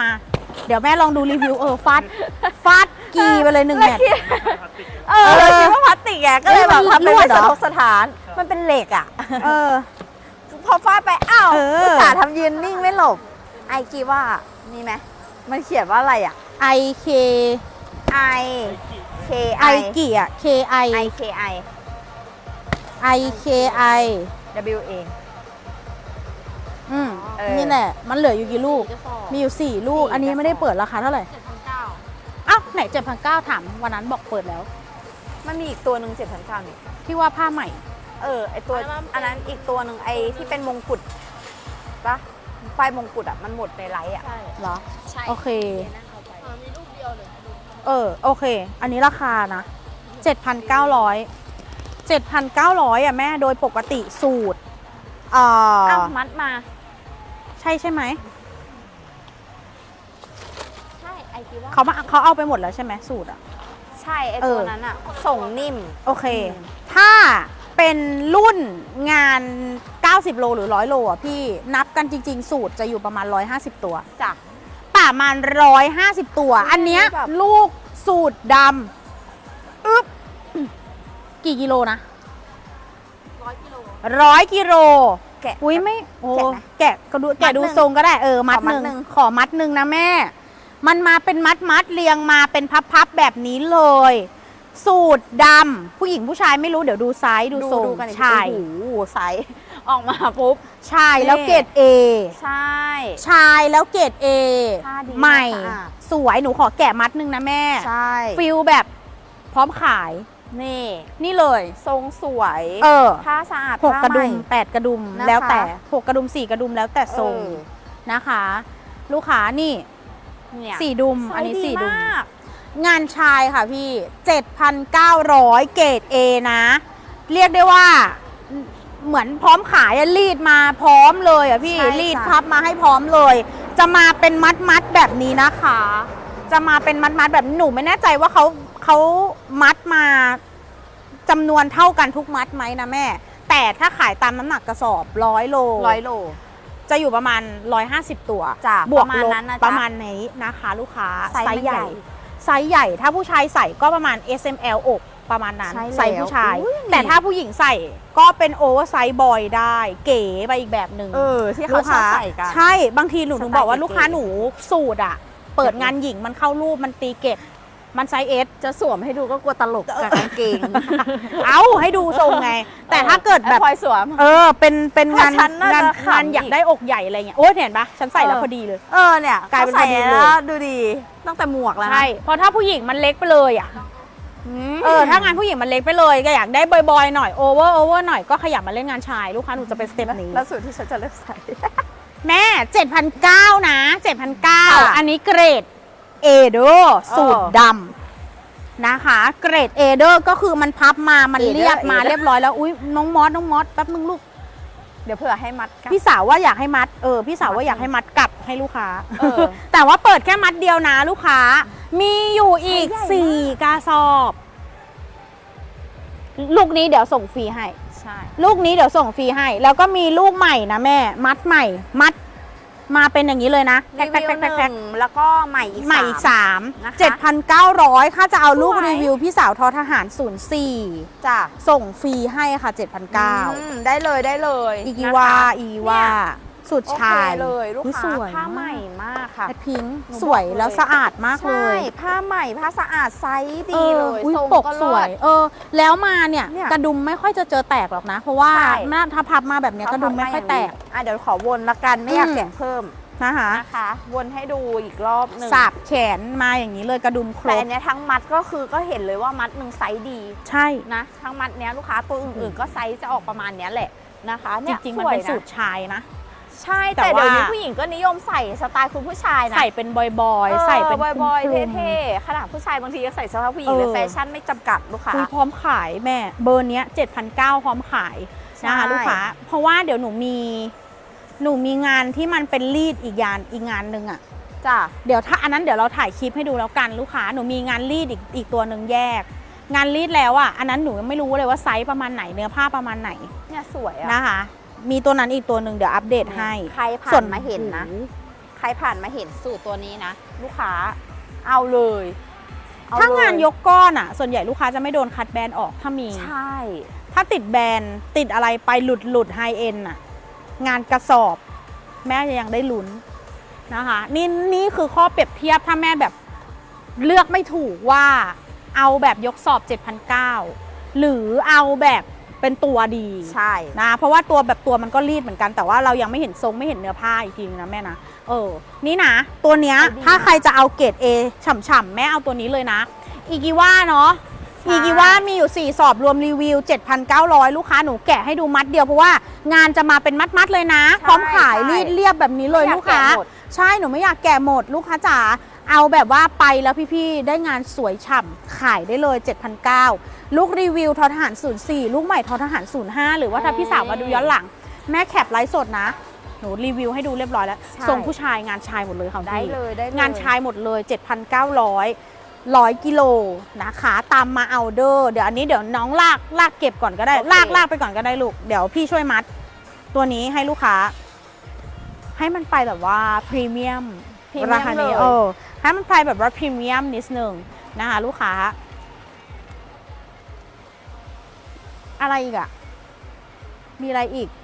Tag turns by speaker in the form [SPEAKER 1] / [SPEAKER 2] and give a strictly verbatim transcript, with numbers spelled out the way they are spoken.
[SPEAKER 1] มาเดี๋ยวแม่ลองดูรีวิวเออฟาดฟาดกีไปเลยหนึ่งแมตช์
[SPEAKER 2] เออเราคิดว่าพลาสติกแกก็เลยแบบทำเป็นไม่สะทกสถานมันเป็นเหล็กอ่ะ
[SPEAKER 1] เออ
[SPEAKER 2] พอฟาดไปอ้าวอุตส่าห์ทำยืนนิ่งไม่หลบไอกีว่านี่ไหมมันเขียนว่าอะไรอ่ะ
[SPEAKER 1] I K
[SPEAKER 2] I K
[SPEAKER 1] I กี่อ่ะ K I
[SPEAKER 2] I K I
[SPEAKER 1] I K I
[SPEAKER 2] W A
[SPEAKER 1] อืมนี่แหละมันเหลืออยู่กี่ลูกมีอยู่สี่ลูกอันนี้ไม่ได้เปิดราคาเท่าไหร่อ้าวไหน เจ็ดพันเก้าร้อย ถามวันนั้นบอกเปิดแล้ว
[SPEAKER 2] มันมีอีกตัวหนึ่งเจ็ดพันเก้านี่
[SPEAKER 1] ที่ว่าผ้าใหม่
[SPEAKER 2] เออไอตัวอันนั้นอีกตัวหนึ่งไอที่เป็นมงกุฎปะป้ายมงกุฎอ่ะมันหมดในไลฟ์อ่ะ
[SPEAKER 1] เหรอ
[SPEAKER 2] ใช่
[SPEAKER 1] โอเค
[SPEAKER 3] มีรูปเดียวเลย
[SPEAKER 1] เออโอเคอันนี้ราคานะ เจ็ดพันเก้าร้อย เจ็ดพันเก้าร้อย อ่ะแม่โดยปกติสูตรเอ่อ
[SPEAKER 2] อ้าวมัดมา
[SPEAKER 1] ใช่ใช่ไหม
[SPEAKER 2] ใช่ไอคิดว่า
[SPEAKER 1] เขามาเขาเอาไปหมดแล้วใช่ไหมสูตรอ่ะ
[SPEAKER 2] ใช่ไอตัวนั้นอ่ะส่งนิ่ม
[SPEAKER 1] โอเคถ้าเป็นรุ่นงานเก้าสิบโลหรือหนึ่งร้อยโลอ่ะพี่นับกันจริงๆสูตรจะอยู่ประมาณหนึ่งร้อยห้าสิบตัว
[SPEAKER 2] จ้ะ
[SPEAKER 1] ประมาณหนึ่งร้อยห้าสิบตัวอันเนี้ยลูกสูตรดำอึ๊บกี่กิโลนะ
[SPEAKER 3] ร้อยกิโล
[SPEAKER 1] ร้อยกิโล
[SPEAKER 2] แกะ
[SPEAKER 1] อุ้ยไม่โอ้แกะก็ดูแกะดูทรงก็ได้เออมัดหนึ่งขอมัดหนึ่งนะแม่มันมาเป็นมัดมัดเรียงมาเป็นพับๆแบบนี้เลยสูตรดำผู้หญิงผู้ชายไม่รู้เดี๋ยวดูไซส์ดูทรง
[SPEAKER 2] ชายโอ้โหไซส์ออกมาปุ๊บ
[SPEAKER 1] ชายแล้วเกรด A
[SPEAKER 2] ใช่
[SPEAKER 1] ชายแล้วเกรด A ใหม่สวยหนูขอแกะมัดหนึ่งนะแม่
[SPEAKER 2] ใช่
[SPEAKER 1] ฟิลแบบพร้อมขาย
[SPEAKER 2] นี่
[SPEAKER 1] นี่เลย
[SPEAKER 2] ทรงสวย
[SPEAKER 1] เออ
[SPEAKER 2] ผ้าสะอาด
[SPEAKER 1] หกกระดุมแปดกระดุมแล้วแต่หกกระดุมสี่กระดุมแล้วแต่ทรงนะคะ ลูกค้านี่สี่ดุมอันนี้สี่ดุมงานชายค่ะพี่ เจ็ดพันเก้าร้อย เกรด A นะ เรียกได้ว่าเหมือนพร้อมขายรีดมาพร้อมเลยอ่ะพี่รีดพับมาให้พร้อมเลย จะมาเป็นมัดมัดแบบนี้นะคะ จะมาเป็นมัดมัดแบบหนูไม่แน่ใจว่าเขาเขามัดมาจำนวนเท่ากันทุกมัดไหมนะแม่แต่ถ้าขายตามน้ำหนักกระสอบร้อยโล
[SPEAKER 2] ร้อยโล
[SPEAKER 1] จะอยู่ประมาณหนึ่งร้อยห้าสิบตัวบวกลบประมาณนี้นะคะลูกค้าไซส์ใหญ่ไซส์ใหญ่ถ้าผู้ชายใส่ก็ประมาณ เอส เอ็ม แอล อกประมาณนั้นไซส์ผู้ชายแต่ถ้าผู้หญิงใส่ก็เป็นโอเวอร์ไซส์บอยได้เก๋ไปอีกแบบหนึ่ง
[SPEAKER 2] เออที่เขาชอบใส่กัน
[SPEAKER 1] ใช่บางทีหนูถึงบอกว่าลูกค้าหนูสูตรอ่ะเปิดงานหญิงมันเข้ารูปมันตีเก็บมันไซส์เอส
[SPEAKER 2] จะสวมให้ดูก็กลัวตลกกับกางเกง
[SPEAKER 1] เอาให้ดูทรงไงแต่ถ้าเกิดแบบ
[SPEAKER 2] พลอยสวม
[SPEAKER 1] เออเป็นเป็นงานงานงานอยากได้อกใหญ่อะไรเงี้ยโอ้ยเห็นปะฉันใส่แล้วพอดีเลย
[SPEAKER 2] เออเนี่ยกลายเป็นพอดีเลยดูดีตั้งแต่หมวกแล้ว
[SPEAKER 1] ใช่เพราะถ้าผู้หญิงมันเล็กไปเลยอ่ะเออถ้างานผู้หญิงมันเล็กไปเลยก็อยากได้บอยๆหน่อยโอเวอร์โอเวอร์หน่อยก็ขยับมาเล่นงานชายลูกค้าหนูจะเป็นสเต็ปนี้
[SPEAKER 2] แล้วสูตรที่ฉันจะเลือกใส่
[SPEAKER 1] แม่ เจ็ดพันเก้าร้อย นะ เจ็ดพันเก้าร้อย อันนี้เกรด A เด้อสูตรดำนะคะเกรด A เด้อก็คือมันพับมามันเรียบมาเรียบร้อยแล้วอุ้ยน้องมอสน้องมอสแป๊บนึงลูก
[SPEAKER 2] เดี๋ยวเผื่อให้มัด
[SPEAKER 1] พี่สาวว่าอยากให้มัดเออพี่สาวว่าอยากให้มัดกลับให้ลูกค้าแต่ว่าเปิดแค่มัดเดียวนะลูกค้ามีอยู่อีกสี่กระสอบลูกนี้เดี๋ยวส่งฟรีให้
[SPEAKER 2] ใช่
[SPEAKER 1] ลูกนี้เดี๋ยวส่งฟรีให้แล้วก็มีลูกใหม่นะแม่มัดใหม่มัดมาเป็นอย่างนี้เลยนะ
[SPEAKER 2] รีวิวหนึ่งแล้วก็ใหม่อีก
[SPEAKER 1] ใหม่อีกสามเจ็ดพันเก้าร้อยค่าจะเอาลูกรีวิวพี่สาวทอทหารศูนย์สี่
[SPEAKER 2] จ้ะ
[SPEAKER 1] ส่งฟรีให้ค่ะเจ็ดพันเก้า
[SPEAKER 2] ได้เลยได้เลย
[SPEAKER 1] อีกีวาอีวาสุดชาย
[SPEAKER 2] เลยลูกค้าผ้าใหม่มากค่ะ
[SPEAKER 1] พิงสวยแล้วสะอาดมากเลย
[SPEAKER 2] ผ้าใหม่ผ้าสะอาดไซส์ดีเลย
[SPEAKER 1] ทรงปกสวยเออแล้วมาเนี่ยกระดุมไม่ค่อยจะเจอแตกหรอกนะเพราะว่าถ้าพับมาแบบนี้กระดุมไม่ค่อยแตก
[SPEAKER 2] อ่ะเดี๋ยวขอวนละกันไม่อยากแกะเพิ่ม
[SPEAKER 1] นะคะ
[SPEAKER 2] นะคะวนให้ดูอีกรอบหนึ่ง
[SPEAKER 1] สับแขนมาอย่างนี้เลยกระดุมครบ
[SPEAKER 2] แต่อันนี้ทั้งมัดก็คือก็เห็นเลยว่ามัดหนึ่งไซส์ดี
[SPEAKER 1] ใช่
[SPEAKER 2] นะทั้งมัดเนี้ยลูกค้าตัวอื่นๆก็ไซส์จะออกประมาณนี้แหละนะคะ
[SPEAKER 1] จริงๆมันเป็นสูตรชายนะ
[SPEAKER 2] ใช่แต่เดี๋ยวนี้ผู้หญิงก็นิยมใส่สไตล์คุณผู้ชายนะ
[SPEAKER 1] ใส่เป็นบอยๆใส่เป็น
[SPEAKER 2] บอยๆเท่ๆขนาดผู้ชายบางทีก็ใส่เสื้อผ้าผู้หญิงเลยแฟชั่นไม่จำกัดลูกค้า
[SPEAKER 1] พร้อมขายแม่เบอร์เนี้ย เจ็ดพันเก้าร้อย พร้อมขายนะคะลูกค้าเพราะว่าเดี๋ยวหนูมีหนูมีงานที่มันเป็นรีดอีกงานอีกงานหนึ่งอ่ะ
[SPEAKER 2] จ้ะ
[SPEAKER 1] เดี๋ยวถ้าอันนั้นเดี๋ยวเราถ่ายคลิปให้ดูแล้วกันลูกค้าหนูมีงานรีดอีกอีกตัวหนึ่งแยกงานรีดแล้วอ่ะอันนั้นหนูยังไม่รู้เลยว่าไซส์ประมาณไหนเนื้อผ้าประมาณไหน
[SPEAKER 2] เนี่ยสวย
[SPEAKER 1] นะคะมีตัวนั้นอีกตัวหนึ่งเดี๋ยวอัปเดตให้
[SPEAKER 2] ใครผ่านมาเห็นนะใครผ่านมาเห็นสูตรตัวนี้นะ ลูกค้าเอาเลยเอ
[SPEAKER 1] ถ้างาน
[SPEAKER 2] เลย
[SPEAKER 1] ยกก้อนอ่ะ ส่วนใหญ่ลูกค้าจะไม่โดนคัดแบรนด์ออกถ้ามี
[SPEAKER 2] ใช่
[SPEAKER 1] ถ้าติดแบรนด์ติดอะไรไปหลุดหลุดไฮเอ็นอ่ะ งานกระสอบแม่ยังได้ลุ้นนะคะนี่นี่คือข้อเปรียบเทียบถ้าแม่แบบเลือกไม่ถูกว่าเอาแบบยกสอบ เจ็ดพันเก้าร้อย หรือเอาแบบเป็นตัวดี
[SPEAKER 2] ใช่
[SPEAKER 1] นะเพราะว่าตัวแบบตัวมันก็รีดเหมือนกันแต่ว่าเรายังไม่เห็นทรงไม่เห็นเนื้อผ้าอีกทีนึงนะแม่นะเออนี่นะตัวเนี้ยถ้าใครจะเอาเกรด A ฉ่ำๆแม่เอาตัวนี้เลยนะอีกิว่าเนาะอีกิว่ามีอยู่สี่สอบรวมรีวิว เจ็ดพันเก้าร้อย ลูกค้าหนูแกะให้ดูมัดเดียวเพราะว่างานจะมาเป็นมัดๆเลยนะพร้อมขายรีดเรียบแบบนี้เลยลูกค้าใช่หนูไม่อยากแกะหมดลูกค้าจ๋าเอาแบบว่าไปแล้วพี่ๆได้งานสวยฉ่ำขายได้เลย เจ็ดพันเก้าร้อย ลูกรีวิวทอทหาร ศูนย์สี่ ลูกใหม่ทอทหาร ศูนย์ห้า หรือว่าถ้าพี่สาวมาดูย้อนหลังแม่แคปไลฟ์สดนะหนูรีวิวให้ดูเรียบร้อยแล้วทรงผู้ชายงานชายหมดเลยค่ะ
[SPEAKER 2] ได้
[SPEAKER 1] พี่
[SPEAKER 2] เลยได้เลย
[SPEAKER 1] งานชายหมดเลย เจ็ดพันเก้าร้อย ร้อยกิโลนะคะตามมาเอาเดอร์เดี๋ยวอันนี้เดี๋ยวน้องลากลากเก็บก่อนก็ได้ลากลากไปก่อนก็ได้ลูกเดี๋ยวพี่ช่วยมัดตัวนี้ให้ลูกค้าให้มันไปแบบว่าพรีเมียม
[SPEAKER 2] พรีเมียม
[SPEAKER 1] ราคานี้
[SPEAKER 2] เลย
[SPEAKER 1] เออให้มันไปแบบว่าพรีเมียมนิดนึงนะคะลูกค้าอะไรอีกอะมีอะไรอีก